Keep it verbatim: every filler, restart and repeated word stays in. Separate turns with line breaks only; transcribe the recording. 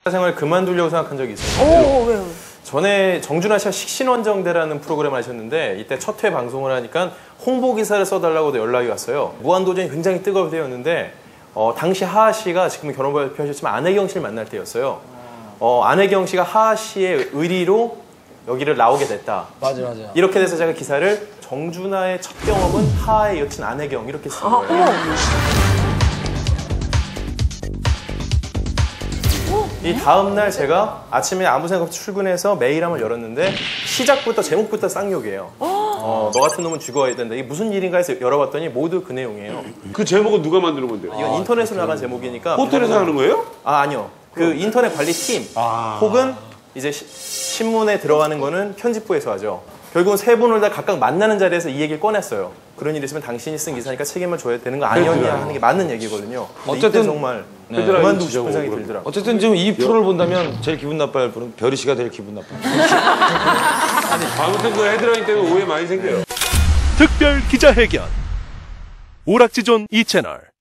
생활 그만두려고 생각한 적이 있어요.
오, 왜요?
전에 정준하 씨가 식신원정대라는 프로그램을 하셨는데 이때 첫 회 방송을 하니까 홍보 기사를 써달라고도 연락이 왔어요. 무한도전이 굉장히 뜨거울 때였는데 어, 당시 하하 씨가 지금 결혼 발표하셨지만 안혜경 씨를 만날 때였어요. 어, 안혜경 씨가 하하 씨의 의리로 여기를 나오게 됐다.
맞아, 맞아.
이렇게 돼서 제가 기사를 정준하의 첫 경험은 하하의 여친 안혜경 이렇게 쓴 거예요. 이 다음날 제가 아침에 아무 생각 없이 출근해서 메일함을 열었는데 시작부터 제목부터 쌍욕이에요. 어, 너 같은 놈은 죽어야 된다. 이게 무슨 일인가 해서 열어봤더니 모두 그 내용이에요.
그 제목은 누가 만드는 건데요?
이건 아, 인터넷으로 나간 제목이니까.
호텔에서 하는 거예요?
아, 아니요. 그 인터넷 관리팀 아. 혹은 이제 시, 신문에 들어가는 거는 편집부에서 하죠. 결국은 세 분을 다 각각 만나는 자리에서 이 얘기를 꺼냈어요. 그런 일이 있으면 당신이 쓴 기사니까 책임을 져야 되는 거 아니었냐 하는 게 맞는 얘기거든요. 어쨌든 정말 네. 그만두고 싶은 생각이 들더라고요.
어쨌든 지금 이 프로를 본다면 제일 기분 나빠할 분은 별이 씨가 제일 기분 나빠요.
아무튼 그 헤드라인 때문에 오해 많이 생겨요.
특별 기자회견 오락지존 이 채널